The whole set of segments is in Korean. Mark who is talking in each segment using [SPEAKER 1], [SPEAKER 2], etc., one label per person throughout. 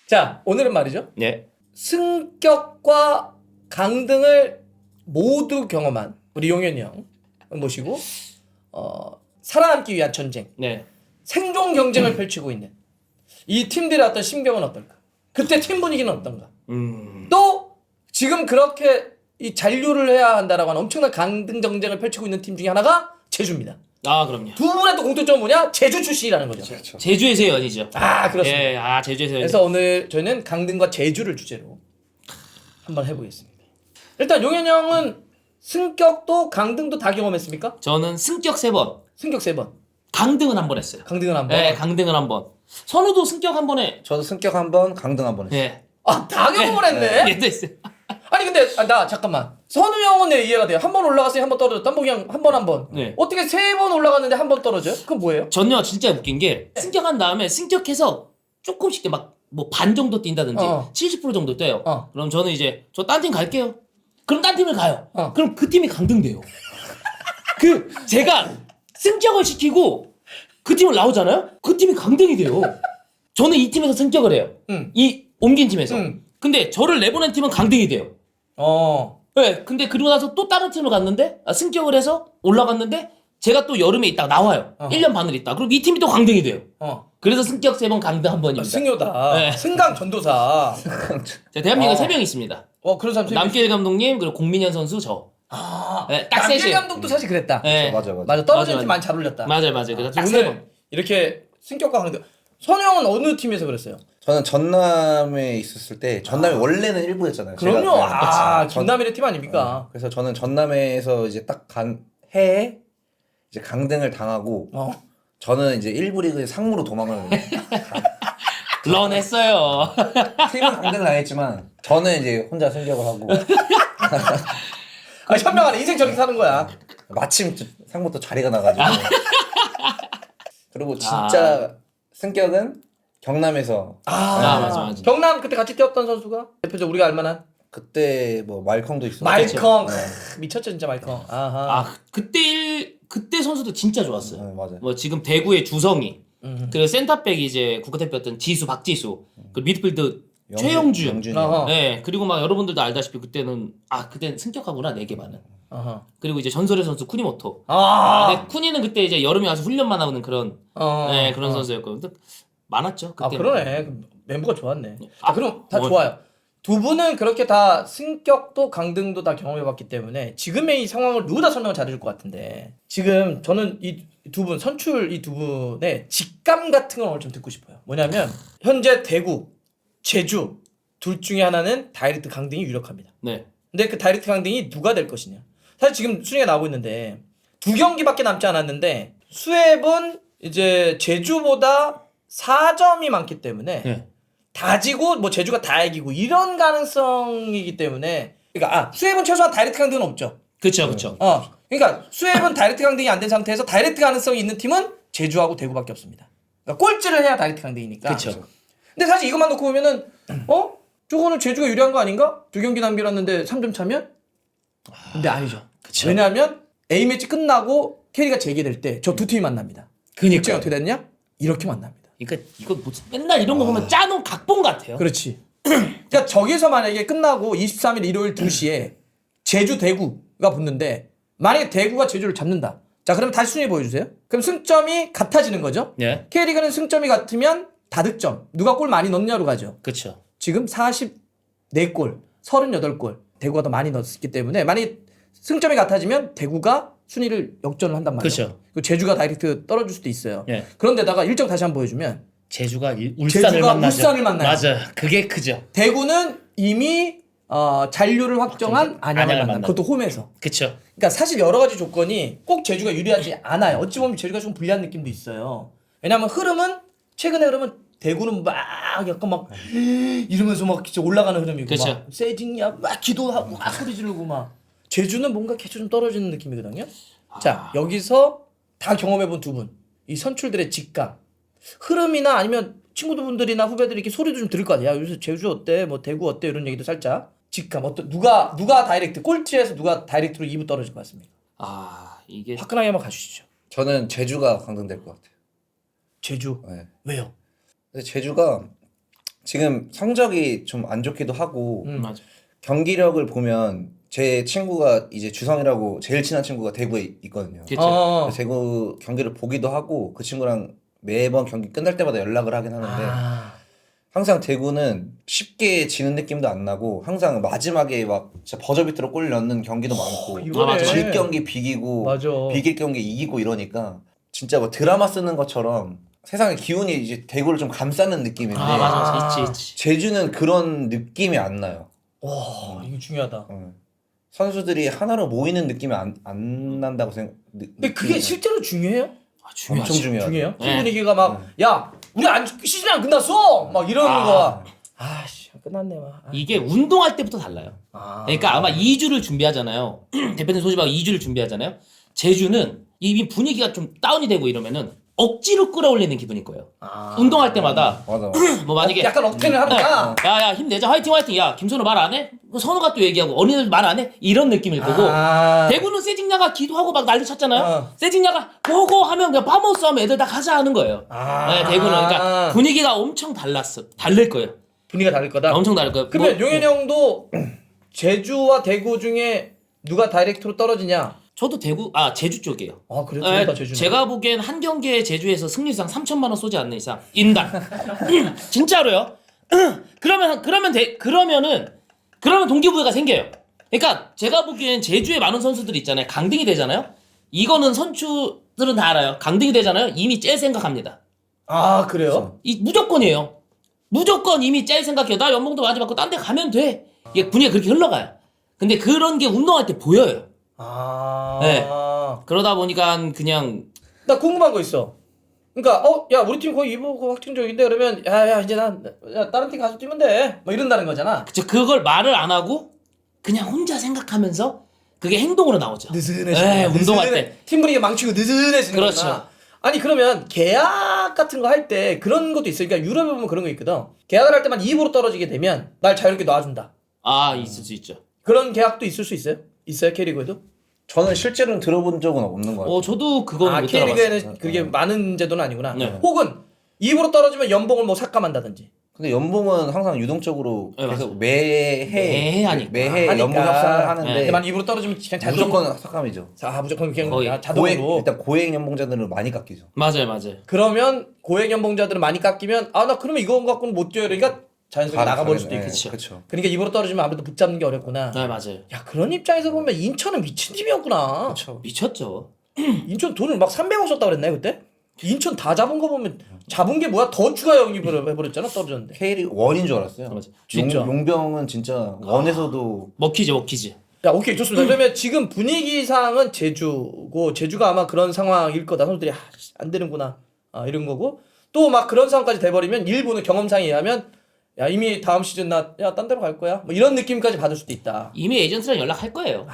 [SPEAKER 1] 자, 오늘은 말이죠.
[SPEAKER 2] 네.
[SPEAKER 1] 승격과 강등을 모두 경험한 우리 용현이 형 모시고 살아남기 위한 전쟁,
[SPEAKER 2] 네.
[SPEAKER 1] 생존 경쟁을 펼치고 있는 이 팀들의 어떤 심경은 어떨까? 그때 팀 분위기는 어떤가? 또 지금 그렇게 이 잔류를 해야 한다라고 하는 엄청난 강등 경쟁을 펼치고 있는 팀 중에 하나가 제주입니다.
[SPEAKER 2] 아, 그럼요.
[SPEAKER 1] 두 분의 또 공통점은 뭐냐? 제주 출신이라는 거죠.
[SPEAKER 3] 그렇죠.
[SPEAKER 2] 제주에서의 연이죠.
[SPEAKER 1] 아, 그렇습니다.
[SPEAKER 2] 예, 제주에서의
[SPEAKER 1] 그래서 오늘 저희는 강등과 제주를 주제로 한번 해보겠습니다. 일단 용현 형은 승격도 강등도 다 경험했습니까?
[SPEAKER 2] 저는 승격 3번,
[SPEAKER 1] 승격 3번,
[SPEAKER 2] 강등은 한 번 했어요.
[SPEAKER 1] 강등은 한 번.
[SPEAKER 2] 네, 강등은 한 번. 선우도 승격 한 번에.
[SPEAKER 3] 저도 승격 한 번, 강등 한 번 했어요.
[SPEAKER 2] 예.
[SPEAKER 1] 아, 다 경험을 했네?
[SPEAKER 2] 얘도 했어요.
[SPEAKER 1] 아니 근데 나 잠깐만. 선우 형은 내 이해가 돼요. 한 번 올라갔으니 한 번 떨어졌다. 한번 그냥 한 번.
[SPEAKER 2] 네.
[SPEAKER 1] 어떻게 3번 올라갔는데 한 번 떨어져요? 그건 뭐예요?
[SPEAKER 2] 전요 진짜 웃긴 게 승격한 다음에 승격해서 조금씩 막 뭐 반 정도 뛴다든지 70% 정도 뛰어요. 그럼 저는 이제 저 딴 팀 갈게요. 그럼 딴 팀을 가요. 그럼 그 팀이 강등돼요. 제가 승격을 시키고 그 팀을 나오잖아요. 그 팀이 강등이 돼요. 저는 이 팀에서 승격을 해요. 이 옮긴 팀에서. 근데 저를 내보낸 팀은 강등이 돼요. 네, 근데 그러고 나서 또 다른 팀을 갔는데 승격을 해서 올라갔는데 제가 또 여름에 있다가 나와요. 1년 반을 있다. 그럼 이 팀이 또 강등이 돼요. 그래서 승격 3번, 강등 한 번입니다.
[SPEAKER 1] 승효다.
[SPEAKER 2] 네.
[SPEAKER 1] 승강 전도사.
[SPEAKER 2] 자, 대한민국에 3명 있습니다.
[SPEAKER 1] 그런 사람
[SPEAKER 2] 남길 감독님, 그리고 공민현 선수, 저. 네, 딱
[SPEAKER 1] 남길
[SPEAKER 2] 셋이.
[SPEAKER 1] 감독도 사실 그랬다.
[SPEAKER 2] 네.
[SPEAKER 3] 맞아.
[SPEAKER 1] 떨어지는
[SPEAKER 2] 맞아.
[SPEAKER 1] 팀 많이 잘 올렸다.
[SPEAKER 2] 맞아요. 그래서 딱
[SPEAKER 1] 오늘
[SPEAKER 2] 3번.
[SPEAKER 1] 이렇게 승격과 강등. 선우 형은 어느 팀에서 그랬어요?
[SPEAKER 3] 저는 전남에 있었을 때 전남이 원래는 일부였잖아요.
[SPEAKER 1] 그럼요.
[SPEAKER 3] 제가,
[SPEAKER 1] 전남이의 팀 아닙니까?
[SPEAKER 3] 그래서 저는 전남에서 이제 딱 간 해에 이제 강등을 당하고 저는 이제 1부 리그에 상무로 도망을
[SPEAKER 2] 런 했어요.
[SPEAKER 3] 팀은 강등을 당했지만 저는 이제 혼자 승격을 하고
[SPEAKER 1] 현명하네. 인생 저렇게 사는 거야.
[SPEAKER 3] 마침 상무도 자리가 나가지고 그리고 진짜 승격은 경남에서
[SPEAKER 2] 맞아.
[SPEAKER 1] 경남 그때 같이 뛰었던 선수가 대표적 우리가 알만한
[SPEAKER 3] 그때 뭐 말컹도 있었고
[SPEAKER 1] 말컹. 미쳤죠 진짜 말컹. 아하.
[SPEAKER 2] 그때 선수도 진짜 좋았어요.
[SPEAKER 3] 네, 맞아요.
[SPEAKER 2] 뭐 지금 대구의 주성이, 그리고 센터백이 이제 국가대표였던 지수, 박지수, 그리고 미드필드 최영준.
[SPEAKER 3] 영준이.
[SPEAKER 2] 네, 그리고 막 여러분들도 알다시피 그때는 승격하구나 4개 반은. 그리고 이제 전설의 선수 쿠니모토. 근데 쿠니는 그때 이제 여름에 와서 훈련만 하는 그런 그런 선수였고, 근데 많았죠 그때.
[SPEAKER 1] 그러네. 멤버가 좋았네. 그럼 다 좋아요. 두 분은 그렇게 다 승격도 강등도 다 경험해봤기 때문에 지금의 이 상황을 누구 다 설명을 잘해줄 것 같은데 지금 저는 이 두 분 선출 이 두 분의 직감 같은 걸 오늘 좀 듣고 싶어요. 뭐냐면 현재 대구, 제주 둘 중에 하나는 다이렉트 강등이 유력합니다.
[SPEAKER 2] 네.
[SPEAKER 1] 근데 그 다이렉트 강등이 누가 될 것이냐. 사실 지금 순위가 나오고 있는데 2경기밖에 남지 않았는데 수협은 이제 제주보다 4점이 많기 때문에 다 지고 뭐 제주가 다 이기고 이런 가능성이기 때문에 그러니까 수협은 최소한 다이렉트 강등은 없죠.
[SPEAKER 2] 그렇죠.
[SPEAKER 1] 그러니까 수협은 다이렉트 강등이 안 된 상태에서 다이렉트 가능성이 있는 팀은 제주하고 대구밖에 없습니다. 그러니까 꼴찌를 해야 다이렉트 강등이니까.
[SPEAKER 2] 그렇죠.
[SPEAKER 1] 근데 사실 이것만 놓고 보면은 저거는 제주가 유리한 거 아닌가? 2경기 남겨놨는데 3점 차면? 근데 아니죠.
[SPEAKER 2] 그쵸.
[SPEAKER 1] 왜냐하면 A매치 끝나고 K리가 재개될 때 저 두 팀이 만납니다.
[SPEAKER 2] 그니까요.
[SPEAKER 1] 결정이 어떻게 됐냐? 이렇게 만납니다.
[SPEAKER 2] 그러니까 이거 무슨 맨날 이런 거 보면 짜놓은 각본 같아요.
[SPEAKER 1] 그렇지. 그러니까 저기서 만약에 끝나고 23일 일요일 2시에 제주 대구가 붙는데 만약에 대구가 제주를 잡는다. 자, 그러면 다시 순위 보여주세요. 그럼 승점이 같아지는 거죠.
[SPEAKER 2] 네.
[SPEAKER 1] K리그는 승점이 같으면 다득점. 누가 골 많이 넣느냐로 가죠.
[SPEAKER 2] 그렇죠.
[SPEAKER 1] 지금 44골, 38골. 대구가 더 많이 넣었기 때문에 만약에 승점이 같아지면 대구가 순위를 역전을 한단 말이에요.
[SPEAKER 2] 그렇죠.
[SPEAKER 1] 그리고 제주가 다이렉트 떨어질 수도 있어요.
[SPEAKER 2] 예.
[SPEAKER 1] 그런데다가 일정 다시 한번 보여주면
[SPEAKER 2] 제주가 울산을
[SPEAKER 1] 제주가
[SPEAKER 2] 만나죠.
[SPEAKER 1] 울산을 만나요.
[SPEAKER 2] 맞아요. 그게 크죠.
[SPEAKER 1] 대구는 이미 잔류를 확정한 안양을 만나. 그것도 홈에서.
[SPEAKER 2] 그렇죠.
[SPEAKER 1] 그러니까 사실 여러 가지 조건이 꼭 제주가 유리하지 않아요. 어찌 보면 제주가 좀 불리한 느낌도 있어요. 왜냐하면 최근의 흐름은 대구는 막 약간 막 이러면서 막 진짜 올라가는 흐름이고
[SPEAKER 2] 그쵸.
[SPEAKER 1] 막 세징야 막 기도하고 막 소리 지르고 막 제주는 뭔가 계속 좀 떨어지는 느낌이거든요. 자, 여기서 다 경험해본 두 분, 이 선출들의 직감, 흐름이나 아니면 친구분들이나 후배들이 이렇게 소리도 좀 들을 거 아니야. 요새 제주 어때? 뭐 대구 어때? 이런 얘기도 살짝 직감. 누가 다이렉트 꼴찌에서 누가 다이렉트로 2부 떨어질 것 같습니까?
[SPEAKER 2] 이게
[SPEAKER 1] 화끈하게 한번 가주시죠.
[SPEAKER 3] 저는 제주가 강등될 것 같아요.
[SPEAKER 1] 제주.
[SPEAKER 3] 네.
[SPEAKER 1] 왜요?
[SPEAKER 3] 근데 제주가 지금 성적이 좀 안 좋기도 하고
[SPEAKER 2] 맞아.
[SPEAKER 3] 경기력을 보면 제 친구가 이제 주성이라고 제일 친한 친구가 대구에 있거든요. 그래서 대구 경기를 보기도 하고 그 친구랑 매번 경기 끝날 때마다 연락을 하긴 하는데 항상 대구는 쉽게 지는 느낌도 안 나고 항상 마지막에 막 진짜 버저비트로 골 넣는 경기도 많고
[SPEAKER 1] 이거네.
[SPEAKER 3] 질 경기 비기고
[SPEAKER 1] 맞아.
[SPEAKER 3] 비길 경기 이기고 이러니까 진짜 뭐 드라마 쓰는 것처럼 세상의 기운이 이제 대구를 좀 감싸는 느낌인데
[SPEAKER 2] 맞아. 있지.
[SPEAKER 3] 제주는 그런 느낌이 안 나요.
[SPEAKER 1] 와 이거 중요하다.
[SPEAKER 3] 선수들이 하나로 모이는 느낌이 안 난다고
[SPEAKER 1] 근데 그게 실제로 중요해요?
[SPEAKER 2] 중요하지.
[SPEAKER 3] 엄청 중요하죠.
[SPEAKER 1] 중요해요? 팀
[SPEAKER 2] 네.
[SPEAKER 1] 분위기가 막 야 우리 시즌 안 끝났어 막 이러는 거야. 아씨 끝났네 막.
[SPEAKER 2] 이게 운동할 때부터 달라요. 그러니까 아마 2주를 준비하잖아요. 대표팀 소집하고 2주를 준비하잖아요. 제주는 이미 분위기가 좀 다운이 되고 이러면은 억지로 끌어올리는 기분일 거예요. 운동할 때마다
[SPEAKER 3] 맞아.
[SPEAKER 2] 뭐 만약에
[SPEAKER 1] 약간 억텐을 하니까.
[SPEAKER 2] 야야 힘내자 화이팅. 야 김선우 말 안 해? 선우가 또 얘기하고 언니들 말 안 해? 이런 느낌일 거고 대구는 세징야가 기도하고 막 난리 쳤잖아요. 세징야가 고고 하면 그냥 파모스 하면 애들 다 가자 하는 거예요. 네, 대구는 그러니까 분위기가 엄청 다를 거예요.
[SPEAKER 1] 분위기가 다를 거다.
[SPEAKER 2] 엄청 다를 거예요.
[SPEAKER 1] 그러면 용현이 형도 제주와 대구 중에 누가 다이렉트로 떨어지냐?
[SPEAKER 2] 저도 제주 쪽이에요.
[SPEAKER 1] 아 그래?
[SPEAKER 2] 네,
[SPEAKER 1] 제주.
[SPEAKER 2] 제가 보기엔 한 경기에 제주에서 승리상 3천만 원 쏘지 않는 이상 인당 진짜로요. 그러면은 동기부여가 생겨요. 그러니까 제가 보기엔 제주에 많은 선수들이 있잖아요. 강등이 되잖아요. 이거는 선수들은 다 알아요. 강등이 되잖아요. 이미 짤 생각합니다.
[SPEAKER 1] 아 그래요?
[SPEAKER 2] 이 무조건이에요. 무조건 이미 짤 생각해요. 나 연봉도 많이 받고 딴 데 가면 돼. 이게 분위기가 그렇게 흘러가요. 근데 그런 게 운동할 때 보여요. 네. 그러다 보니까 그냥
[SPEAKER 1] 나 궁금한 거 있어. 그러니까 야 우리 팀 거의 2부 확정적인데 그러면 야 이제 야, 다른 팀 가서 뛰면 돼. 뭐 이런다는 거잖아.
[SPEAKER 2] 그걸 말을 안 하고 그냥 혼자 생각하면서 그게 행동으로 나오죠.
[SPEAKER 1] 느슨해지네.
[SPEAKER 2] 운동할 때.
[SPEAKER 1] 팀 분위기 망치고 느슨해지는
[SPEAKER 2] 그렇죠.
[SPEAKER 1] 거구나. 아니 그러면 계약 같은 거 할 때 그런 것도 있어요. 그러니까 유럽에 보면 그런 거 있거든. 계약을 할 때만 2부로 떨어지게 되면 날 자유롭게 놔준다.
[SPEAKER 2] 있을 수 있죠.
[SPEAKER 1] 그런 계약도 있을 수 있어요? 있어요 K리그에도?
[SPEAKER 3] 저는 실제로는 들어본 적은 없는 것 같아요.
[SPEAKER 2] 저도 그거는 못 들어봤어요.
[SPEAKER 1] K리그에는 그게 많은 제도는 아니구나.
[SPEAKER 2] 네.
[SPEAKER 1] 혹은 2부로 떨어지면 연봉을 뭐 삭감한다든지.
[SPEAKER 3] 근데 연봉은 항상 유동적으로
[SPEAKER 2] 네,
[SPEAKER 3] 계속
[SPEAKER 2] 맞아요.
[SPEAKER 3] 매해
[SPEAKER 2] 하니까.
[SPEAKER 3] 매해
[SPEAKER 1] 하니까.
[SPEAKER 3] 연봉 협상을 하는데
[SPEAKER 1] 근데 만 2부로 떨어지면 그냥 자동.
[SPEAKER 3] 무조건 삭감이죠.
[SPEAKER 1] 무조건 그냥
[SPEAKER 2] 거의
[SPEAKER 1] 자동으로.
[SPEAKER 3] 일단 고액 연봉자들은 많이 깎이죠.
[SPEAKER 2] 맞아요.
[SPEAKER 1] 그러면 고액 연봉자들은 많이 깎이면 나 그러면 이거 갖고는 못 뛰어요. 그러니까 자연스럽게 나가버릴 수도 있겠지.
[SPEAKER 3] 그렇죠.
[SPEAKER 1] 그러니까 2부로 떨어지면 아무래도 붙잡는 게 어렵구나.
[SPEAKER 2] 네, 맞아요.
[SPEAKER 1] 야 그런 입장에서 보면 인천은 미친 팀이었구나.
[SPEAKER 3] 그렇죠.
[SPEAKER 2] 미쳤죠.
[SPEAKER 1] 인천 돈을 막 300억 썼다 그랬나요 그때? 인천 다 잡은 거 보면 잡은 게 뭐야? 더 추가 영입을 해버렸잖아 떨어졌는데.
[SPEAKER 3] K리그 원인 줄 알았어요.
[SPEAKER 2] 맞아.
[SPEAKER 1] 진짜.
[SPEAKER 3] 용병은 진짜 원에서도
[SPEAKER 2] 먹히지.
[SPEAKER 1] 야 오케이 좋습니다. 그러면 지금 분위기상은 제주고 제주가 아마 그런 상황일 거다. 선수들이 안 되는구나 이런 거고 또 막 그런 상황까지 돼버리면 일부는 경험상에 의하면 야 이미 다음 시즌 나 딴 데로 갈 거야 뭐 이런 느낌까지 받을 수도 있다.
[SPEAKER 2] 이미 에이전트랑 연락할 거예요.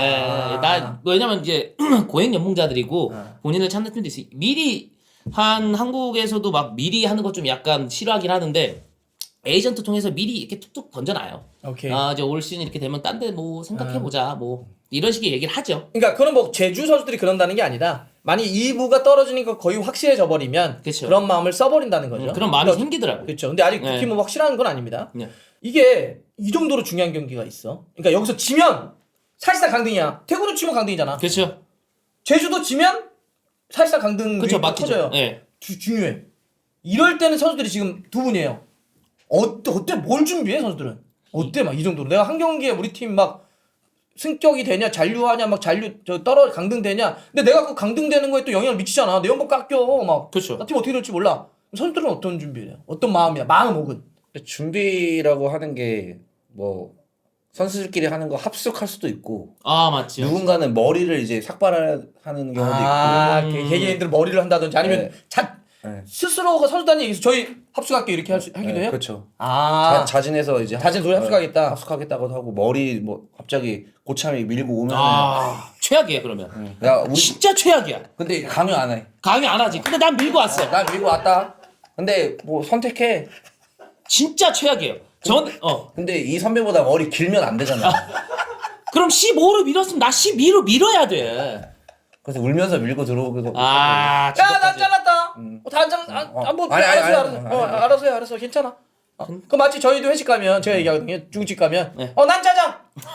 [SPEAKER 2] 왜냐면 이제 고액 연봉자들이고 본인을 찾는 팀도 있어요. 미리 한국에서도 막 미리 하는 거 좀 약간 싫어하긴 하는데 에이전트 통해서 미리 이렇게 툭툭 던져놔요.
[SPEAKER 1] 오케이.
[SPEAKER 2] 이제 올 시즌 이렇게 되면 딴 데 뭐 생각해보자 뭐 이런 식의 얘기를 하죠.
[SPEAKER 1] 그러니까 그건 뭐 제주 선수들이 그런다는 게 아니라 만약 2부가 떨어지니까 거의 확실해져 버리면
[SPEAKER 2] 그쵸.
[SPEAKER 1] 그런 마음을 써버린다는 거죠.
[SPEAKER 2] 그런 마음이
[SPEAKER 1] 그러니까
[SPEAKER 2] 생기더라고요.
[SPEAKER 1] 그렇죠. 근데 아직
[SPEAKER 2] 네.
[SPEAKER 1] 그 팀은 확실한 건 아닙니다.
[SPEAKER 2] 네.
[SPEAKER 1] 이게 이 정도로 중요한 경기가 있어. 그러니까 여기서 지면 사실상 강등이야. 태국으로 치면 강등이잖아.
[SPEAKER 2] 그렇죠.
[SPEAKER 1] 제주도 지면 사실상 강등
[SPEAKER 2] 그렇죠.
[SPEAKER 1] 위기가
[SPEAKER 2] 막히죠.
[SPEAKER 1] 커져요.
[SPEAKER 2] 예.
[SPEAKER 1] 중요해. 이럴 때는 선수들이 지금 두 분이에요. 어때 뭘 준비해 선수들은? 어때 막 이 정도로 내가 한 경기에 우리 팀 막 승격이 되냐 잔류하냐 막 강등되냐. 근데 내가 그 강등되는 거에 또 영향을 미치잖아. 내 연봉 깎여 막.
[SPEAKER 2] 그렇죠.
[SPEAKER 1] 나 팀 어떻게 될지 몰라. 선수들은 어떤 준비를 해요? 어떤 마음이야? 마음 혹은
[SPEAKER 3] 준비라고 하는 게 뭐 선수들끼리 하는 거 합숙할 수도 있고
[SPEAKER 2] 맞죠.
[SPEAKER 3] 누군가는 머리를 이제 삭발하는 경우도 있고
[SPEAKER 1] 개개인들 머리를 한다든지 아니면
[SPEAKER 3] 네.
[SPEAKER 1] 스스로가 선수단이 얘기해서 저희 합숙할게 이렇게 하기도
[SPEAKER 3] 네,
[SPEAKER 1] 해요?
[SPEAKER 3] 그렇죠.
[SPEAKER 1] 아
[SPEAKER 3] 자진해서 이제
[SPEAKER 1] 자진 도에 합숙하겠다.
[SPEAKER 3] 합숙하겠다고도 하고 머리 뭐 갑자기 고참이 밀고 오면
[SPEAKER 2] 최악이에요 그러면.
[SPEAKER 3] 야 우리
[SPEAKER 2] 진짜 최악이야.
[SPEAKER 3] 근데 강요 안 해.
[SPEAKER 2] 강요 안 하지. 근데 난 밀고 왔어.
[SPEAKER 3] 나 밀고 왔다. 근데 뭐 선택해.
[SPEAKER 2] 진짜 최악이에요.
[SPEAKER 3] 근데 이 선배보다 머리 길면 안 되잖아.
[SPEAKER 2] 그럼 15로 밀었으면 나 12로 밀어야 돼.
[SPEAKER 3] 그래서 울면서 밀고 들어오기도.
[SPEAKER 1] 나 잘랐다. 뭐
[SPEAKER 3] 아니,
[SPEAKER 1] 알아서 해. 알아서 괜찮아. 그 마치 저희도 회식 가면 제가 얘기하거든요. 중국집 가면
[SPEAKER 2] 네.
[SPEAKER 1] 난 짜장.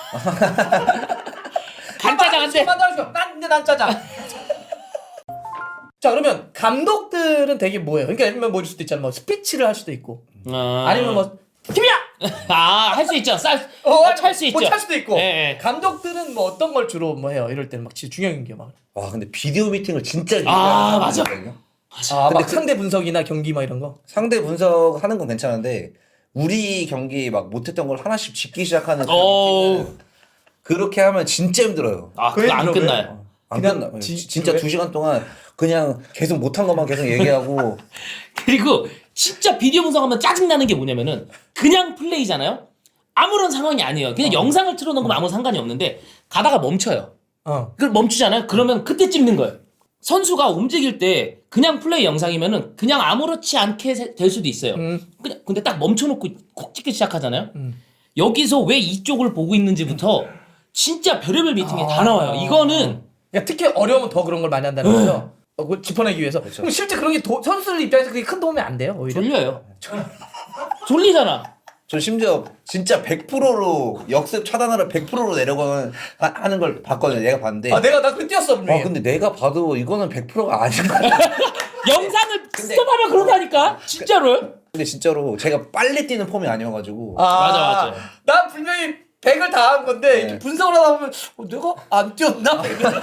[SPEAKER 2] 간짜장 한 대.
[SPEAKER 1] 난 짜장. 자 그러면 감독들은 되게 뭐예요? 그러니까 예를 들면 뭐일 수도 있잖아. 뭐 스피치를 할 수도 있고 아니면 뭐 팀이야.
[SPEAKER 2] 할 수 있죠. 찰 수 있죠.
[SPEAKER 1] 뭐 찰 수도 있고.
[SPEAKER 2] 네.
[SPEAKER 1] 감독들은 뭐 어떤 걸 주로 뭐 해요? 이럴 때는 막 진짜 중요한 게 막.
[SPEAKER 3] 와 근데 비디오 미팅을 진짜
[SPEAKER 2] 맞아.
[SPEAKER 1] 막 상대 분석이나 경기 막 이런 거.
[SPEAKER 3] 상대 분석하는 건 괜찮은데 우리 경기 막 못했던 걸 하나씩 짚기 시작하는 그렇게 하면 진짜 힘들어요.
[SPEAKER 2] 그거 안 끝나요.
[SPEAKER 3] 안 끝나. 진짜 2시간 동안 그냥 계속 못한 것만 계속 얘기하고
[SPEAKER 2] 그리고 진짜 비디오 분석하면 짜증나는 게 뭐냐면은 그냥 플레이잖아요. 아무런 상황이 아니에요. 그냥 영상을 틀어놓으면 아무 상관이 없는데 가다가 멈춰요. 그걸 멈추잖아요. 그러면 그때 찍는 거예요. 선수가 움직일 때 그냥 플레이 영상이면은 그냥 아무렇지 않게 될 수도 있어요. 그냥 근데 딱 멈춰놓고 콕 찍기 시작하잖아요. 여기서 왜 이쪽을 보고 있는지부터 진짜 별의별 미팅이 다 나와요. 이거는
[SPEAKER 1] 그러니까 특히 어려우면 더 그런 걸 많이 한다는 거죠. 그걸 짚어내기 위해서. 그렇죠. 그럼 실제 그런 게 선수들 입장에서 그게 큰 도움이 안 돼요. 오히려.
[SPEAKER 2] 졸려요. 졸리잖아.
[SPEAKER 3] 저 심지어 진짜 100%로 역습 차단하러 100%로 내려가는 하는 걸 봤거든요. 내가 봤는데.
[SPEAKER 1] 나 그때 뛰었어 분명히.
[SPEAKER 3] 근데 내가 봐도 이거는 100%가 아닌 것 같아.
[SPEAKER 2] 영상을 스톱하면 그런다니까. 진짜로.
[SPEAKER 3] 근데 진짜로 제가 빨리 뛰는 폼이 아니어가지고.
[SPEAKER 2] 맞아.
[SPEAKER 1] 난 분명히 100을 다 한 건데 이렇게 분석을 하다 보면 내가 안 뛰었나?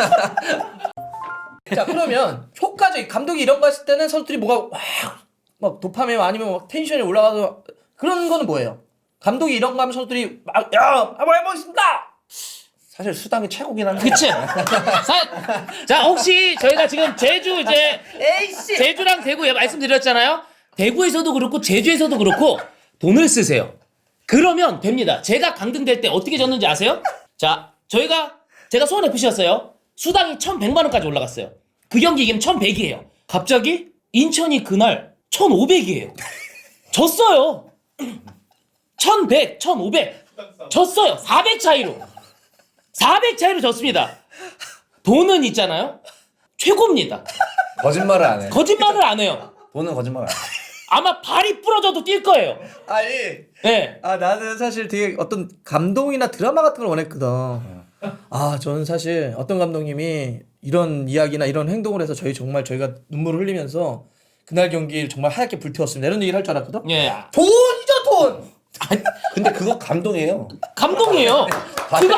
[SPEAKER 1] 자 그러면 효과적 감독이 이런 거 했을 때는 선수들이 뭐가 막 도파민 아니면 막 텐션이 올라가서 그런 거는 뭐예요? 감독이 이런 거 하면 선수들이 막 한번 해보겠습니다.
[SPEAKER 3] 사실 수당이 최고긴 한데.
[SPEAKER 2] 그치? 자 혹시 저희가 지금 제주 이제 제주랑 대구 말씀드렸잖아요. 대구에서도 그렇고 제주에서도 그렇고 돈을 쓰세요. 그러면 됩니다. 제가 강등될 때 어떻게 졌는지 아세요? 자 제가 수원 FC였어요. 수당이 1,100만 원까지 올라갔어요. 그 경기 이기면 1,100이에요. 갑자기 인천이 그날 1,500이에요. 졌어요. 1,100, 1,500 졌어요. 400 차이로. 400 차이로 졌습니다. 돈은 있잖아요. 최고입니다.
[SPEAKER 3] 거짓말을 안 해.
[SPEAKER 2] 거짓말을 안 해요.
[SPEAKER 3] 돈은 거짓말 안 해.
[SPEAKER 2] 아마 발이 부러져도 뛸 거예요.
[SPEAKER 1] 아니.
[SPEAKER 2] 네.
[SPEAKER 1] 나는 사실 되게 어떤 감동이나 드라마 같은 걸 원했거든. 저는 사실 어떤 감독님이 이런 이야기나 이런 행동을 해서 저희가 눈물을 흘리면서 그날 경기를 정말 하얗게 불태웠습니다. 이런 얘기를 할 줄 알았거든.
[SPEAKER 2] 예.
[SPEAKER 1] 돈이죠 돈.
[SPEAKER 3] 근데 그거 감동이에요.
[SPEAKER 2] 감동이에요. 그거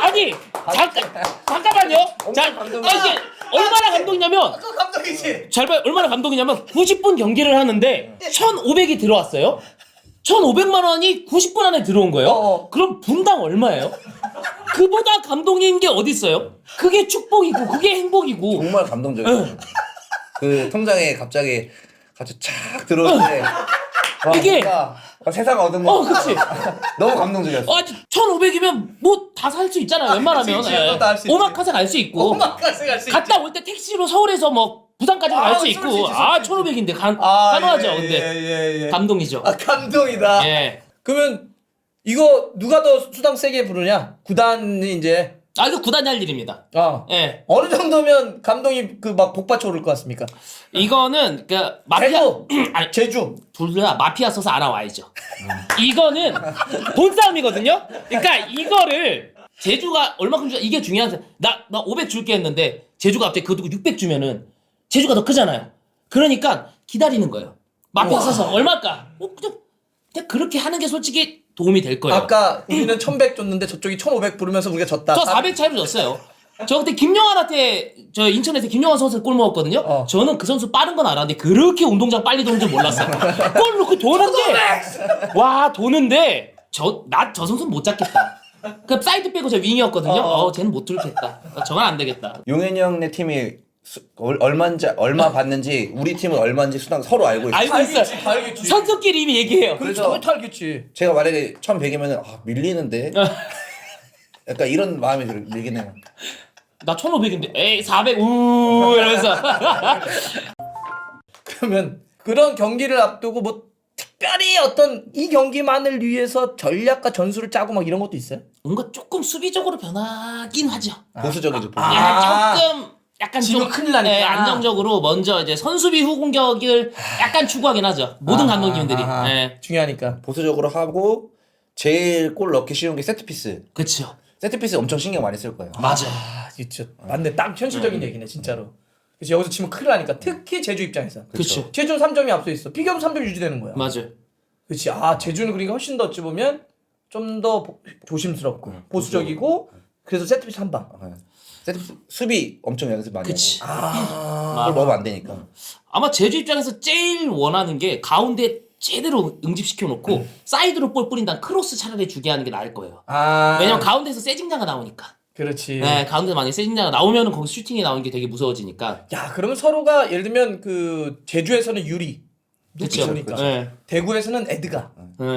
[SPEAKER 2] 잠깐만요. 자, 이게 얼마나 감동이냐면
[SPEAKER 1] 감동이지.
[SPEAKER 2] 잘 봐요. 얼마나 감동이냐면 90분 경기를 하는데 1,500이 들어왔어요. 1,500만 원이 90분 안에 들어온 거예요. 그럼 분당 얼마예요? 그보다 감동인 게 어디 있어요? 그게 축복이고 그게 행복이고.
[SPEAKER 3] 정말 감동적이에요. 그 통장에 갑자기 착 들어올 때
[SPEAKER 2] 이게
[SPEAKER 3] 세상 얻은 거.
[SPEAKER 2] 그치.
[SPEAKER 3] 너무 감동적이었어.
[SPEAKER 2] 1,500이면 뭐 다 살 수 있잖아요. 웬만하면. 오마카세 갈 수 있고.
[SPEAKER 1] 오마카세 갈 수 있지.
[SPEAKER 2] 갔다 올 때 택시로 서울에서 뭐 부산까지 갈 수 있고. 1,500인데 가능하죠. 근데 감동이죠.
[SPEAKER 1] 감동이다.
[SPEAKER 2] 예.
[SPEAKER 1] 그러면 이거 누가 더 수당 세게 부르냐? 구단이 이제.
[SPEAKER 2] 이거 구단이 할 일입니다. 예.
[SPEAKER 1] 어느 정도면 감동이 막 복받쳐 오를 것 같습니까?
[SPEAKER 2] 이거는 마피아
[SPEAKER 1] 아니 제주
[SPEAKER 2] 둘 다 마피아 써서 알아와야죠. 이거는 돈 싸움이거든요. 그러니까 이거를 제주가 얼마큼 주 이게 중요한 나 500 줄게 했는데 제주가 갑자기 그거 두고 600 주면은 제주가 더 크잖아요. 그러니까 기다리는 거예요. 마피아 써서 얼마일까? 그냥 그렇게 하는 게 솔직히 도움이 될 거예요.
[SPEAKER 1] 아까 우리는 1,100 줬는데 저쪽이 1,500 부르면서 우리가 졌다.
[SPEAKER 2] 저 400 차이로 졌어요. 저 그때 김영환한테 저 인천에서 김영환 선수 골 먹었거든요. 저는 그 선수 빠른 건 알았는데 그렇게 운동장 빨리 도는 줄 몰랐어요. 골 넣고 도는데 저 선수는 못 잡겠다. 그 사이드 빼고 저 윙이었거든요. 쟤는 못 들겠다. 저건 안 되겠다.
[SPEAKER 3] 용현이 형네 팀이 얼마 받는지 우리 팀은 얼마인지 수당 서로 알고 있어요.
[SPEAKER 2] 알고 있어요.
[SPEAKER 1] 알겠지.
[SPEAKER 2] 선수끼리 이미 얘기해요.
[SPEAKER 1] 그래서 알겠지.
[SPEAKER 3] 제가 만약에 1,100이면은 밀리는데 약간 이런 마음이 들긴 해요.
[SPEAKER 2] 나 1,500인데 에이 400 이러면서.
[SPEAKER 1] 그러면 그런 경기를 앞두고 뭐 특별히 어떤 이 경기만을 위해서 전략과 전술을 짜고 막 이런 것도 있어요?
[SPEAKER 2] 뭔가 조금 수비적으로 변하긴 하죠.
[SPEAKER 3] 보수적이죠.
[SPEAKER 2] 조금 약간
[SPEAKER 1] 지금
[SPEAKER 2] 좀
[SPEAKER 1] 큰일 나니까.
[SPEAKER 2] 안정적으로 먼저 이제 선수비 후 공격을 약간 추구하긴 하죠. 모든 감독님들이. 예.
[SPEAKER 1] 중요하니까.
[SPEAKER 3] 보수적으로 하고 제일 골 넣기 쉬운 게 세트피스.
[SPEAKER 2] 그렇죠.
[SPEAKER 3] 세트피스 엄청 신경 많이 쓸 거예요.
[SPEAKER 2] 맞아.
[SPEAKER 1] 진짜 맞네. 딱 현실적인 얘기네 진짜로. 그래서 여기서 치면 큰일 나니까 특히 제주 입장에서.
[SPEAKER 2] 그렇죠.
[SPEAKER 1] 제주는 3점이 앞서 있어. 비교하면 3점 유지되는 거야.
[SPEAKER 2] 맞아요.
[SPEAKER 1] 그렇지. 제주는 그러니까 훨씬 더 어찌 보면 좀 더 조심스럽고 보수적이고 그래서 세트피스 한 방.
[SPEAKER 3] 세트피스 수비 엄청 연습 많이
[SPEAKER 2] 그치.
[SPEAKER 3] 하고. 그걸 넣으면 안 되니까.
[SPEAKER 2] 아마 제주 입장에서 제일 원하는 게 가운데 제대로 응집시켜 놓고 사이드로 볼 뿌린다는 크로스 차라리 주게 하는 게 나을 거예요. 왜냐면 가운데서 세징자가 나오니까.
[SPEAKER 1] 그렇지.
[SPEAKER 2] 네, 가운데 만약에 세징자가 나오면은 거기 슈팅이 나오는 게 되게 무서워지니까.
[SPEAKER 1] 야, 그러면 서로가 예를 들면 그 제주에서는 유리. 높이
[SPEAKER 2] 그쵸.
[SPEAKER 1] 보니까.
[SPEAKER 2] 네.
[SPEAKER 1] 대구에서는 에드가.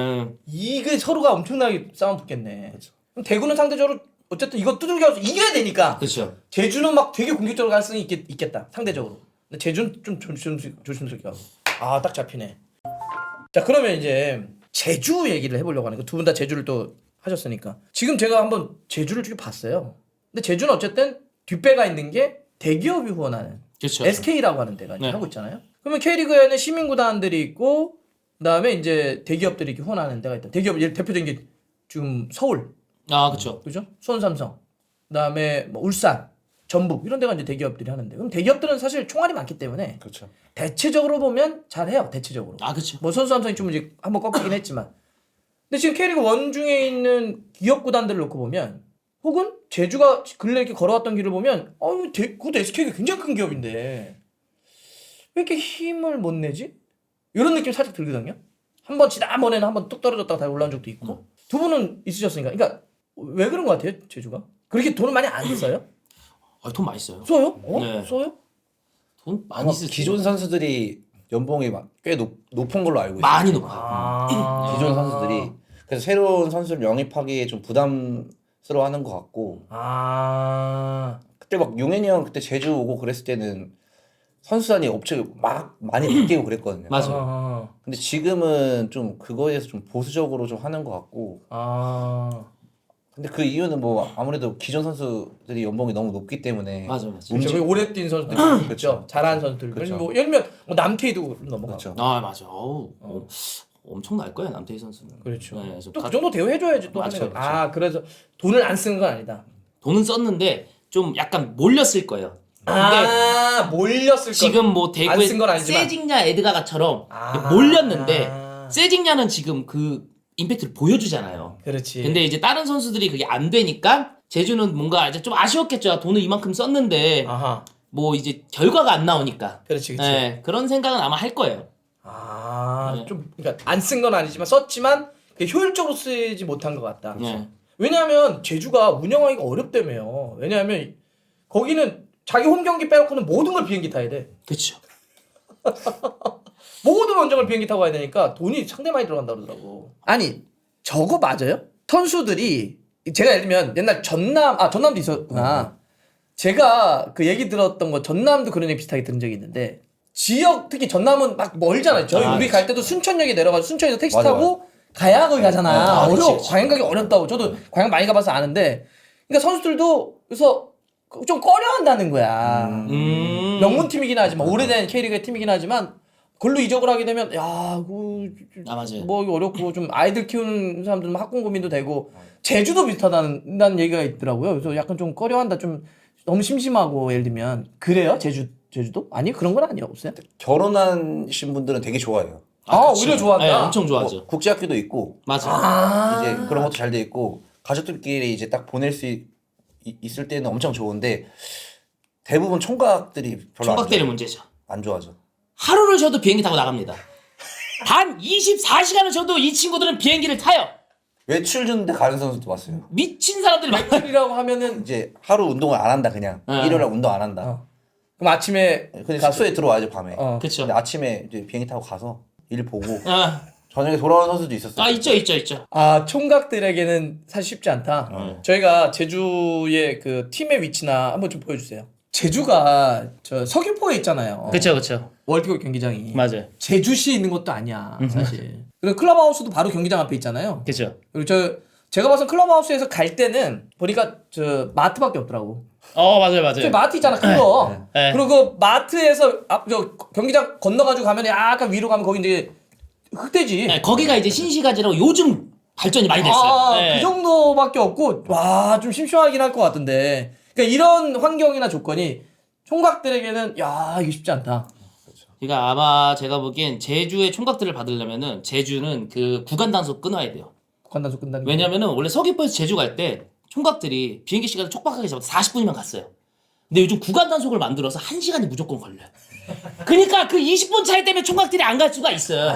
[SPEAKER 1] 이게 서로가 엄청나게 싸움 붙겠네. 그럼 대구는 상대적으로 어쨌든 이거 두들겨서 이겨야 되니까.
[SPEAKER 2] 그렇죠.
[SPEAKER 1] 제주는 막 되게 공격적으로 갈 가능성이 있겠다. 상대적으로. 근데 제주는 좀 조심스럽게 하고. 딱 잡히네. 자, 그러면 이제 제주 얘기를 해보려고 하는 거. 두 분 다 제주를 또 하셨으니까. 지금 제가 한번 제주를 쭉 봤어요. 근데 제주는 어쨌든 뒷배가 있는 게 대기업이 후원하는
[SPEAKER 2] 그렇죠.
[SPEAKER 1] SK라고 하는 데가
[SPEAKER 2] 네.
[SPEAKER 1] 하고 있잖아요. 그러면 K리그에는 시민구단들이 있고 그다음에 이제 대기업들이 이렇게 후원하는 데가 있다. 대기업 대표적인 게 지금 서울,
[SPEAKER 2] 그렇죠.
[SPEAKER 1] 그죠? 수원 삼성, 그다음에 뭐 울산, 전북 이런 데가 이제 대기업들이 하는데 그럼 대기업들은 사실 총알이 많기 때문에
[SPEAKER 3] 그렇죠.
[SPEAKER 1] 대체적으로 보면 잘해요. 대체적으로.
[SPEAKER 2] 그렇죠.
[SPEAKER 1] 뭐 선수 삼성이 좀 이제 한번 꺾이긴 했지만. 근데 지금 K리그 원 중에 있는 기업 구단들을 놓고 보면 혹은 제주가 근래 이렇게 걸어왔던 길을 보면 그것도 SK가 굉장히 큰 기업인데 왜 이렇게 힘을 못 내지? 이런 느낌 살짝 들거든요. 한번 지난번에는 한번 뚝 떨어졌다가 다시 올라온 적도 있고. 두 분은 있으셨으니까. 그러니까 왜 그런 것 같아요, 제주가? 그렇게 돈을 많이 안 써요?
[SPEAKER 2] 돈 많이 써요.
[SPEAKER 1] 써요?
[SPEAKER 2] 네.
[SPEAKER 1] 써요?
[SPEAKER 2] 돈 많이
[SPEAKER 3] 아마
[SPEAKER 2] 쓰죠.
[SPEAKER 3] 기존 선수들이 연봉이 꽤 높은 걸로 알고 있어요.
[SPEAKER 2] 많이 높아요.
[SPEAKER 3] 기존 선수들이 그래서 새로운 선수를 영입하기에 좀 부담스러워하는 것 같고. 그때 막 용현이 형 그때 제주 오고 그랬을 때는 선수단이 업체 막 많이 바뀌고 그랬거든요.
[SPEAKER 2] 맞아요.
[SPEAKER 3] 근데 지금은 좀 그거에 대해서 좀 보수적으로 좀 하는 것 같고. 근데 그 이유는 뭐 아무래도 기존 선수들이 연봉이 너무 높기 때문에.
[SPEAKER 2] 맞아.
[SPEAKER 1] 그렇죠. 오래 뛴 선수들 그렇죠. 잘하는 선수들.
[SPEAKER 3] 그렇죠.
[SPEAKER 1] 뭐 예를 들면 남태희도 넘어가고.
[SPEAKER 3] 그렇죠.
[SPEAKER 2] 맞아. 엄청 날 거야 남태희 선수는.
[SPEAKER 1] 그렇죠.
[SPEAKER 2] 네,
[SPEAKER 1] 또 그 정도 대우해줘야지 또
[SPEAKER 2] 맞죠,
[SPEAKER 1] 하는 거. 그래서 돈을 안 쓰는 건 아니다.
[SPEAKER 2] 돈은 썼는데 좀 약간 몰렸을 거예요.
[SPEAKER 1] 몰렸을 거.
[SPEAKER 2] 지금 뭐 대구의
[SPEAKER 1] 안쓴건 아니지만.
[SPEAKER 2] 세징야 에드가가처럼 몰렸는데 세징야는 지금 그 임팩트를 보여주잖아요.
[SPEAKER 1] 그렇지.
[SPEAKER 2] 근데 이제 다른 선수들이 그게 안 되니까 제주는 뭔가 이제 좀 아쉬웠겠죠. 돈을 이만큼 썼는데 뭐 이제 결과가 안 나오니까.
[SPEAKER 1] 그렇지.
[SPEAKER 2] 네, 그런 생각은 아마 할 거예요.
[SPEAKER 1] 좀 그러니까 안 쓴 건 아니지만 썼지만 효율적으로 쓰지 못한 것 같다.
[SPEAKER 2] 네.
[SPEAKER 1] 왜냐하면 제주가 운영하기가 어렵다며요. 왜냐하면 거기는 자기 홈 경기 빼놓고는 모든 걸 비행기 타야 돼.
[SPEAKER 2] 그렇죠.
[SPEAKER 1] 모든 원정을 비행기 타고 가야 되니까 돈이 상당히 많이 들어간다 그러더라고. 아니 저거 맞아요? 선수들이 제가 예를 들면 옛날 전남도 있었구나. 제가 그 얘기 들었던 거 전남도 그런 얘기 비슷하게 들은 적이 있는데 지역 특히 전남은 막 멀잖아요. 우리 갈 때도 순천역에 내려가서 순천에서 택시 타고 가야 거기 가잖아. 광양 가기 어렵다고. 저도 광양 많이 가봐서 아는데 그러니까 선수들도 그래서 좀 꺼려한다는 거야. 명문 팀이긴 하지만 오래된 K리그의 팀이긴 하지만 그걸로 이적을 하게 되면
[SPEAKER 2] 맞아요.
[SPEAKER 1] 뭐 이거 어렵고 좀 아이들 키우는 사람들은 학군 고민도 되고 제주도 비슷하다는 얘기가 있더라고요. 그래서 약간 좀 꺼려한다. 좀 너무 심심하고 예를 들면 그래요? 제주도? 아니 그런 건 아니에요. 없어요?
[SPEAKER 3] 결혼하신 분들은 되게 좋아해요.
[SPEAKER 1] 오히려 좋아한다.
[SPEAKER 2] 네, 엄청 좋아하죠.
[SPEAKER 3] 국제학교도 있고.
[SPEAKER 2] 맞아.
[SPEAKER 3] 이제 그런 것도 잘 돼 있고 가족들끼리 이제 딱 보낼 수 있을 때는 엄청 좋은데 대부분 총각들이 별로
[SPEAKER 2] 총각들이 문제죠.
[SPEAKER 3] 안 좋아하죠.
[SPEAKER 2] 하루를 쉬어도 비행기 타고 나갑니다. 단 24시간을 쉬어도 이 친구들은 비행기를 타요.
[SPEAKER 3] 외출 주는데 가는 선수도 봤어요.
[SPEAKER 2] 미친 사람들이 많아요.
[SPEAKER 1] 외출이라고 하면은
[SPEAKER 3] 이제 하루 운동을 안 한다 그냥. 일요일날 운동 안 한다.
[SPEAKER 1] 그럼 아침에
[SPEAKER 3] 근데 숙소에 들어와야죠 밤에.
[SPEAKER 2] 그렇죠.
[SPEAKER 3] 근데 아침에 이제 비행기 타고 가서 일 보고 저녁에 돌아오는 선수도 있었어요.
[SPEAKER 2] 있죠.
[SPEAKER 1] 총각들에게는 사실 쉽지 않다. 저희가 제주의 그 팀의 위치나 한번 좀 보여주세요. 제주가 저 서귀포에 있잖아요.
[SPEAKER 2] 그렇죠.
[SPEAKER 1] 월드컵 경기장이.
[SPEAKER 2] 맞아요.
[SPEAKER 1] 제주시에 있는 것도 아니야 사실. 그리고 클럽하우스도 바로 경기장 앞에 있잖아요.
[SPEAKER 2] 그렇죠.
[SPEAKER 1] 그리고 제가 봐서 클럽하우스에서 갈 때는 보니까 저 마트밖에 없더라고.
[SPEAKER 2] 맞아요.
[SPEAKER 1] 저 마트 있잖아 큰 거.
[SPEAKER 2] 네.
[SPEAKER 1] 그리고 그 마트에서 저 경기장 건너가지고 가면 약간 위로 가면 거기 이제 흑돼지.
[SPEAKER 2] 네, 거기가 이제 신시가지라고 요즘 발전이 많이 됐어요. 네.
[SPEAKER 1] 그 정도밖에 없고 와 좀 심심하긴 할 것 같은데. 그러니까 이런 환경이나 조건이 총각들에게는 야 이거 쉽지 않다.
[SPEAKER 2] 그러니까 아마 제가 보기엔 제주의 총각들을 받으려면은 제주는 그 구간 단속 끊어야 돼요.
[SPEAKER 1] 구간 단속 끝나는.
[SPEAKER 2] 왜냐면은 원래 서귀포에서 제주 갈 때 총각들이 비행기 시간을 촉박하게 잡아서 40분이면 갔어요. 근데 요즘 구간 단속을 만들어서 1시간이 무조건 걸려요. 그러니까 그 20분 차이 때문에 총각들이 안 갈 수가 있어요.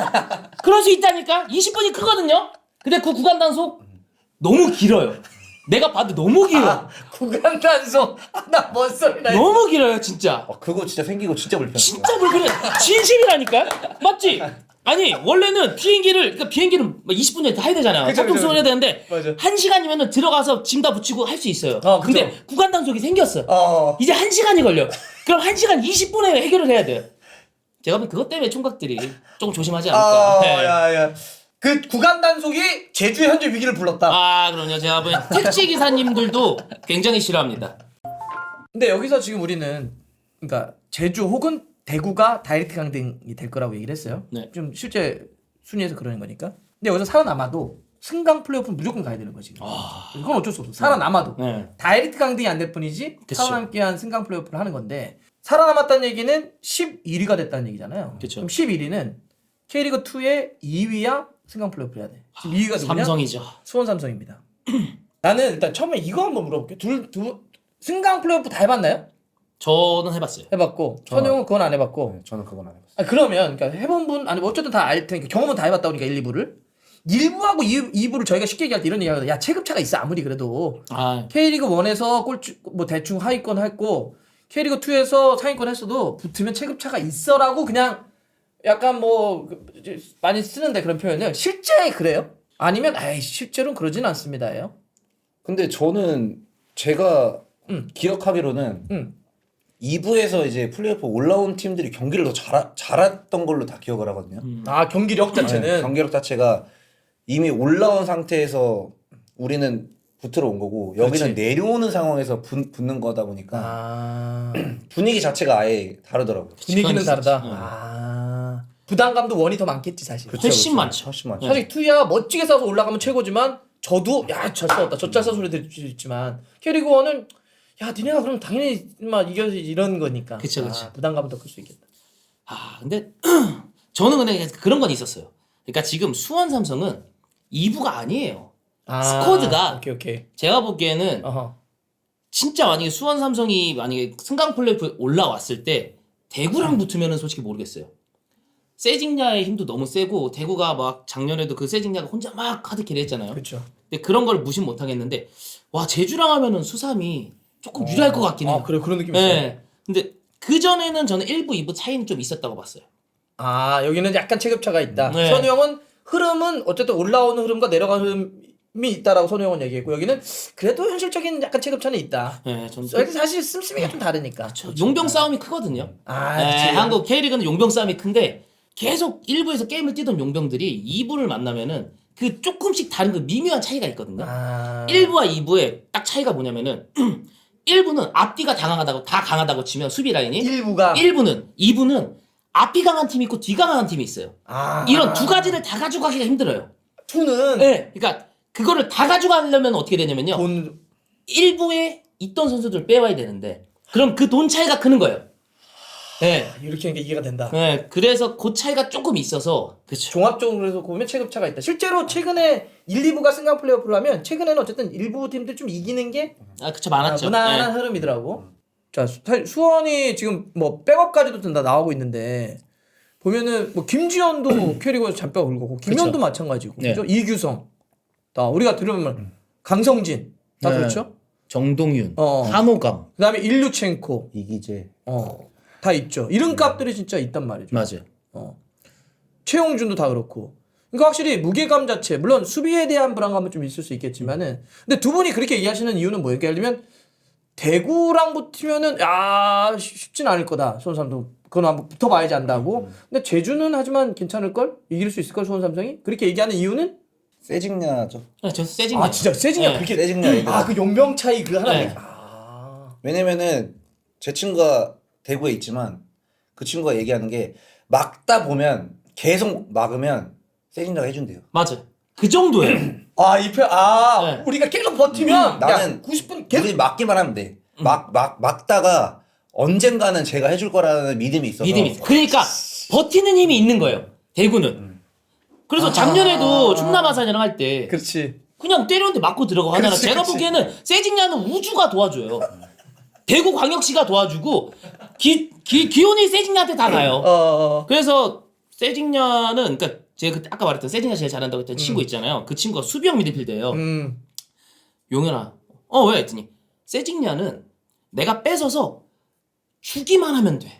[SPEAKER 2] 그럴 수 있다니까? 20분이 크거든요? 근데 그 구간 단속 너무 길어요. 내가 봐도 너무 길어.
[SPEAKER 1] 구간 단속 나 뭔 소리나.
[SPEAKER 2] 너무 길어요, 진짜.
[SPEAKER 3] 그거 진짜 생기고 진짜 불편해.
[SPEAKER 2] 진짜 불편해. 진심이라니까? 맞지? 아니, 원래는 그러니까 비행기는 20분 전에 타야 되잖아요.
[SPEAKER 1] 그쵸,
[SPEAKER 2] 탑승을 해야 되는데,
[SPEAKER 1] 맞아.
[SPEAKER 2] 1시간이면 들어가서 짐 다 붙이고 할 수 있어요. 근데
[SPEAKER 1] 그쵸.
[SPEAKER 2] 구간 단속이 생겼어.
[SPEAKER 1] 어.
[SPEAKER 2] 이제 1시간이 걸려. 그럼 1시간 20분에 해결을 해야 돼요. 제가 보면 그것 때문에 총각들이 조금 조심하지 않을까. 네.
[SPEAKER 1] 야야. 그 구간 단속이 제주의 현재 위기를 불렀다.
[SPEAKER 2] 그럼요. 제가 보면 택시 기사님들도 굉장히 싫어합니다.
[SPEAKER 1] 근데 여기서 지금 우리는 그러니까 제주 혹은 대구가 다이렉트 강등이 될 거라고 얘기를 했어요.
[SPEAKER 2] 네.
[SPEAKER 1] 좀 실제 순위에서 그러는 거니까. 근데 여기서 살아남아도 승강 플레이오프는 무조건 가야 되는 거지. 이건 어쩔 수 없어. 살아남아도
[SPEAKER 2] 네.
[SPEAKER 1] 다이렉트 강등이 안 될 뿐이지
[SPEAKER 2] 그쵸.
[SPEAKER 1] 살아남기 위한 승강 플레이오프를 하는 건데 살아남았다는 얘기는 11위가 됐다는 얘기잖아요.
[SPEAKER 2] 그쵸.
[SPEAKER 1] 그럼 11위는 K리그 2의 2위야 승강 플레이오프 해야 돼. 지금 2위가 누구냐?
[SPEAKER 2] 삼성이죠.
[SPEAKER 1] 수원 삼성입니다. 나는 일단 처음에 이거 한번 물어볼게. 승강 플레이오프 다 해봤나요?
[SPEAKER 2] 저는 해봤어요.
[SPEAKER 1] 해봤고 선영은 그건 안 해봤고.
[SPEAKER 3] 네, 저는 그건 안 해봤어요.
[SPEAKER 1] 그러면 그러니까 해본 분 아니 어쨌든 다 알 테니까 경험은 다 해봤다 보니까 1, 2부를 1부하고 2부를 저희가 쉽게 얘기할 때 이런 얘기하거든. 야 체급차가 있어 아무리 그래도 K리그 1에서 꼴찌 뭐 대충 하위권 했고 K리그 2에서 상위권 했어도 붙으면 체급차가 있어라고 그냥 약간 뭐 많이 쓰는데 그런 표현을 실제 그래요? 아니면 아이 실제로는 그러진 않습니다예요.
[SPEAKER 3] 근데 저는 제가 기억하기로는 2부에서 이제 플레이오프 올라온 팀들이 경기를 더 잘했던 걸로 다 기억을 하거든요.
[SPEAKER 1] 아 경기력 자체는
[SPEAKER 3] 네, 경기력 자체가 이미 올라온 상태에서 우리는 붙으러 온 거고 여기는
[SPEAKER 1] 그렇지.
[SPEAKER 3] 내려오는 상황에서 붙는 거다 보니까 분위기 자체가 아예 다르더라고요.
[SPEAKER 1] 분위기는 다르다.
[SPEAKER 2] 네.
[SPEAKER 1] 부담감도 원이 더 많겠지 사실.
[SPEAKER 2] 훨씬 많죠.
[SPEAKER 3] 훨씬 많죠.
[SPEAKER 1] 사실 투야 멋지게 싸서 올라가면 최고지만 저도 야 잘 싸웠다 저 잘 싸서 소리 들을 수 있지만 K리그 1은 야 니네가 그럼 당연히 막 이겨야지 이런 거니까.
[SPEAKER 2] 그쵸.
[SPEAKER 1] 부담감은 더 클 수 있겠다.
[SPEAKER 2] 근데 저는 근데 그런 건 있었어요. 그러니까 지금 수원 삼성은 2부가 아니에요. 스쿼드가
[SPEAKER 1] 오케이.
[SPEAKER 2] 제가 보기에는 진짜 만약에 수원 삼성이 만약에 승강 플레이오프 올라왔을 때 대구랑 붙으면은 솔직히 모르겠어요. 세징야의 힘도 너무 세고 대구가 막 작년에도 그 세징야가 혼자 막 하드캐리 했잖아요.
[SPEAKER 1] 그렇죠.
[SPEAKER 2] 근데 그런 걸 무시 못 하겠는데 와 제주랑 하면은 수삼이 조금 유리할 것 같긴 해요.
[SPEAKER 1] 그래 그런 느낌이 있어요.
[SPEAKER 2] 네. 근데 그 전에는 저는 1부, 2부 차이는 좀 있었다고 봤어요.
[SPEAKER 1] 여기는 약간 체급차가 있다.
[SPEAKER 2] 네.
[SPEAKER 1] 선우 형은 흐름은 어쨌든 올라오는 흐름과 내려가는 흐름이 있다라고 선우 형은 얘기했고 여기는 그래도 현실적인 약간 체급차는 있다.
[SPEAKER 2] 네, 저는
[SPEAKER 1] 여기 사실 씀씀이가 좀 다르니까.
[SPEAKER 2] 용병 싸움이 크거든요.
[SPEAKER 1] 그치.
[SPEAKER 2] 한국 K리그는 용병 싸움이 큰데 계속 1부에서 게임을 뛰던 용병들이 2부를 만나면은 그 조금씩 다른 그 미묘한 차이가 있거든요. 1부와 2부의 딱 차이가 뭐냐면은 1부는 앞뒤가 다 강하다고 치면 수비 라인이 1부는 2부는 앞이 강한 팀이 있고 뒤 강한 팀이 있어요. 이런 두 가지를 다 가져가기가 힘들어요.
[SPEAKER 1] 2는
[SPEAKER 2] 네, 그러니까 그거를 다 가져가려면 어떻게 되냐면요. 1부에 있던 선수들 빼와야 되는데 그럼 그 돈 차이가 크는 거예요. 네.
[SPEAKER 1] 이렇게 하는 게 이해가 된다.
[SPEAKER 2] 네, 그래서 그 차이가 조금 있어서 그렇죠.
[SPEAKER 1] 종합적으로 해서 보면 체급차가 있다. 실제로 최근에 1, 2부가 승강 플레이오프를 하면 최근에는 어쨌든 일부 팀들 좀 이기는 게
[SPEAKER 2] 그쵸 많았죠.
[SPEAKER 1] 무난한 흐름이더라고. 자, 사실 수원이 지금 뭐 백업까지도 다 나오고 있는데 보면은 뭐 김지현도 K리그에서 잔뼈 긁고 김현도
[SPEAKER 2] 그쵸.
[SPEAKER 1] 마찬가지고
[SPEAKER 2] 네.
[SPEAKER 1] 그죠? 이규성 다 우리가 들으면 강성진 다
[SPEAKER 2] 네.
[SPEAKER 1] 그렇죠?
[SPEAKER 2] 정동윤,
[SPEAKER 1] 어.
[SPEAKER 2] 한호감
[SPEAKER 1] 그다음에 일류첸코
[SPEAKER 3] 이기재
[SPEAKER 1] 다 있죠. 이름값들이 진짜 있단 말이죠.
[SPEAKER 2] 맞아요.
[SPEAKER 1] 최용준도 다 그렇고. 그러니까 확실히 무게감 자체 물론 수비에 대한 불안감은 좀 있을 수 있겠지만은 근데 두 분이 그렇게 얘기하시는 이유는 뭐예요? 그러니까 예를 들면 대구랑 붙으면은 쉽진 않을 거다. 수원 삼성 그건 한번 붙어봐야지 안다고. 근데 제주는 하지만 괜찮을 걸 이길 수 있을 걸 수원 삼성이 그렇게 얘기하는 이유는
[SPEAKER 3] 세징야죠.
[SPEAKER 2] 저 세징야.
[SPEAKER 1] 진짜 세징야
[SPEAKER 2] 네.
[SPEAKER 1] 그렇게
[SPEAKER 3] 세징야 얘기.
[SPEAKER 1] 그 용병 차이 그 하나
[SPEAKER 2] 네.
[SPEAKER 1] 얘기.
[SPEAKER 3] 왜냐면은 제 친구가 대구에 있지만 그 친구가 얘기하는 게 막다 보면 계속 막으면 세징야가 해준대요.
[SPEAKER 2] 맞아. 그 정도예요.
[SPEAKER 1] 네. 우리가 계속 버티면
[SPEAKER 3] 나는
[SPEAKER 1] 90분 계속
[SPEAKER 3] 우리 막기만 하면 돼. 막다가 언젠가는 제가 해줄 거라는 믿음이 있어서.
[SPEAKER 2] 믿음이 있어. 그러니까 버티는 힘이 있는 거예요. 대구는. 그래서 작년에도 충남 아산이랑 할 때
[SPEAKER 1] 그렇지.
[SPEAKER 2] 그냥 때렸는데 맞고 들어가고 하나는
[SPEAKER 1] 그렇지,
[SPEAKER 2] 제가
[SPEAKER 1] 그렇지.
[SPEAKER 2] 보기에는 세징야는 우주가 도와줘요. 대구 광역시가 도와주고 기온이 세징야한테 다 가요. 그래서 세징야는 그러니까 제가 그때 아까 말했던 세징야 제일 잘한다고 했던 친구 있잖아요. 그 친구가 수비형 미드필더예요. 용현아, 왜? 했더니 세징야는 내가 뺏어서 주기만 하면 돼.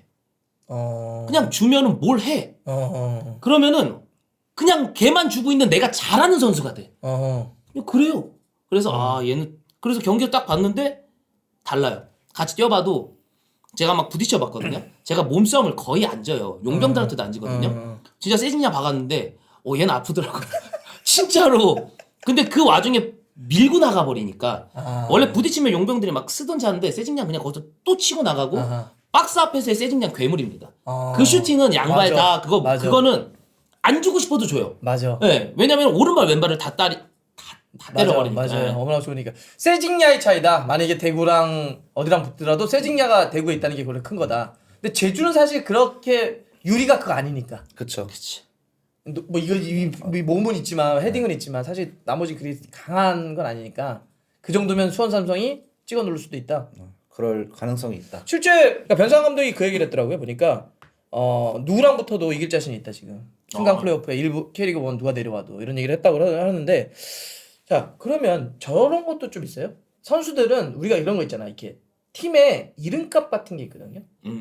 [SPEAKER 2] 그냥 주면은 뭘 해. 그러면은 그냥 걔만 주고 있는 내가 잘하는 선수가 돼. 그래요. 그래서 얘는 그래서 경기를 딱 봤는데 달라요. 같이 뛰어봐도 제가 막 부딪혀 봤거든요. 제가 몸싸움을 거의 안 져요. 용병들한테도 안 지거든요. 진짜 세징야 박았는데 얘는 아프더라고요. 진짜로. 근데 그 와중에 밀고 나가버리니까 원래 부딪히면 용병들이 막 쓰던 차인데 세징야 그냥 거기서 또 치고 나가고 박스 앞에서의 세징야 괴물입니다. 그 슈팅은 양발 다 그거는 안 주고 싶어도 줘요.
[SPEAKER 1] 맞아.
[SPEAKER 2] 네, 왜냐면 오른발 왼발을 다 때려버리니까.
[SPEAKER 1] 맞아요. 너무나 좋으니까. 세징야의 차이다. 만약에 대구랑 어디랑 붙더라도 세징야가 대구에 있다는 게 그래 큰 거다. 근데 제주는 사실 그렇게 유리가 그거 아니니까.
[SPEAKER 3] 그쵸.
[SPEAKER 2] 그치.
[SPEAKER 1] 뭐 이거 이 몸은 있지만 헤딩은 있지만 사실 나머지 그리 강한 건 아니니까 그 정도면 수원 삼성이 찍어 누를 수도 있다.
[SPEAKER 3] 그럴 가능성이 있다.
[SPEAKER 1] 실제 그러니까 변상 감독이 그 얘기를 했더라고요. 보니까 누구랑 붙어도 이길 자신이 있다 지금. 승강 플레이오프에 일부 K리그 1 누가 내려와도 이런 얘기를 했다고 하는데 자 그러면 저런 것도 좀 있어요. 선수들은 우리가 이런 거 있잖아. 이렇게 팀에 이름값 같은 게 있거든요.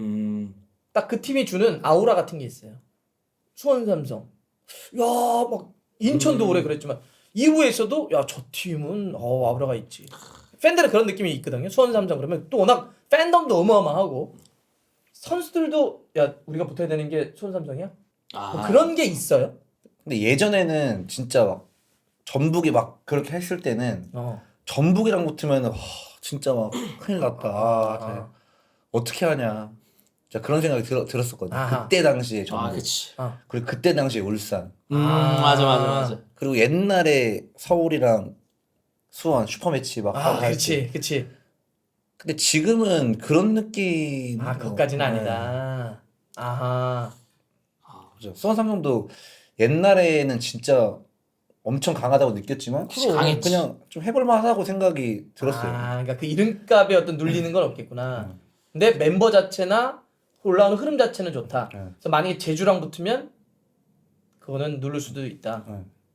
[SPEAKER 1] 딱 그 팀이 주는 아우라 같은 게 있어요. 수원 삼성. 야 막 인천도 오래 그랬지만 이후에 있어도 야 저 팀은 아우라가 있지. 팬들은 그런 느낌이 있거든요. 수원 삼성 그러면 또 워낙 팬덤도 어마어마하고 선수들도 야 우리가 붙어야 되는 게 수원 삼성이야? 뭐 그런 게 있어요.
[SPEAKER 3] 근데 예전에는 진짜 막 전북이 막 그렇게 했을 때는 전북이랑 붙으면 진짜 막 큰일 났다. 어떻게 하냐. 진짜 그런 생각이 들었었거든요. 그때 당시에 전북.
[SPEAKER 2] 그치.
[SPEAKER 3] 그리고 그때 당시에 울산.
[SPEAKER 2] 맞아.
[SPEAKER 3] 그리고 옛날에 서울이랑 수원 슈퍼매치 막 하고
[SPEAKER 1] 그치.
[SPEAKER 3] 근데 지금은 그런 느낌.
[SPEAKER 1] 그것까지는 아니다.
[SPEAKER 3] 그죠. 수원 삼성도 옛날에는 진짜 엄청 강하다고 느꼈지만
[SPEAKER 2] 강했지.
[SPEAKER 3] 그냥 좀 해볼만하다고 생각이 들었어요.
[SPEAKER 1] 그러니까 그 이름값에 어떤 눌리는 건 없겠구나. 근데 멤버 자체나 올라오는 흐름 자체는 좋다. 그래서 만약에 제주랑 붙으면 그거는 누를 수도 있다.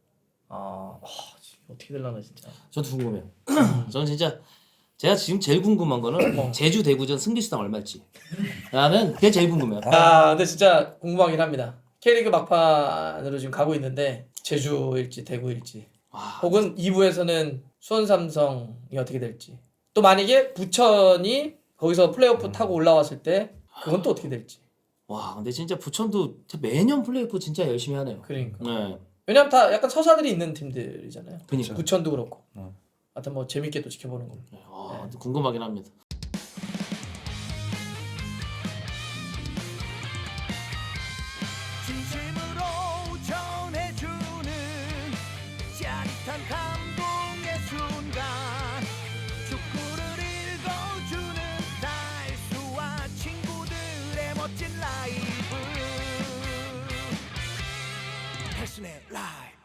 [SPEAKER 1] 어떻게 될라나 진짜.
[SPEAKER 2] 저도 궁금해요. 저는 진짜 제가 지금 제일 궁금한 거는 제주 대구전 승리수당 얼마일지. 나는 그게 제일 궁금해요.
[SPEAKER 1] 근데 진짜 궁금하긴 합니다. K리그 막판으로 지금 가고 있는데 제주일지 대구일지 혹은 2부에서는 수원 삼성이 어떻게 될지 또 만약에 부천이 거기서 플레이오프 타고 올라왔을 때 그건 또 어떻게 될지.
[SPEAKER 2] 근데 진짜 부천도 매년 플레이오프 진짜 열심히 하네요.
[SPEAKER 1] 그러니까.
[SPEAKER 2] 네.
[SPEAKER 1] 왜냐면 다 약간 서사들이 있는 팀들이잖아요.
[SPEAKER 2] 그러니까.
[SPEAKER 1] 부천도 그렇고. 하여튼 뭐 재밌게 또 지켜보는 거.
[SPEAKER 2] 궁금하긴 합니다.
[SPEAKER 4] 진심으로 전해주는 짜릿한 감동의 순간 축구를 읽어주는 달수와 친구들의 멋진 라이브 달순의 라이브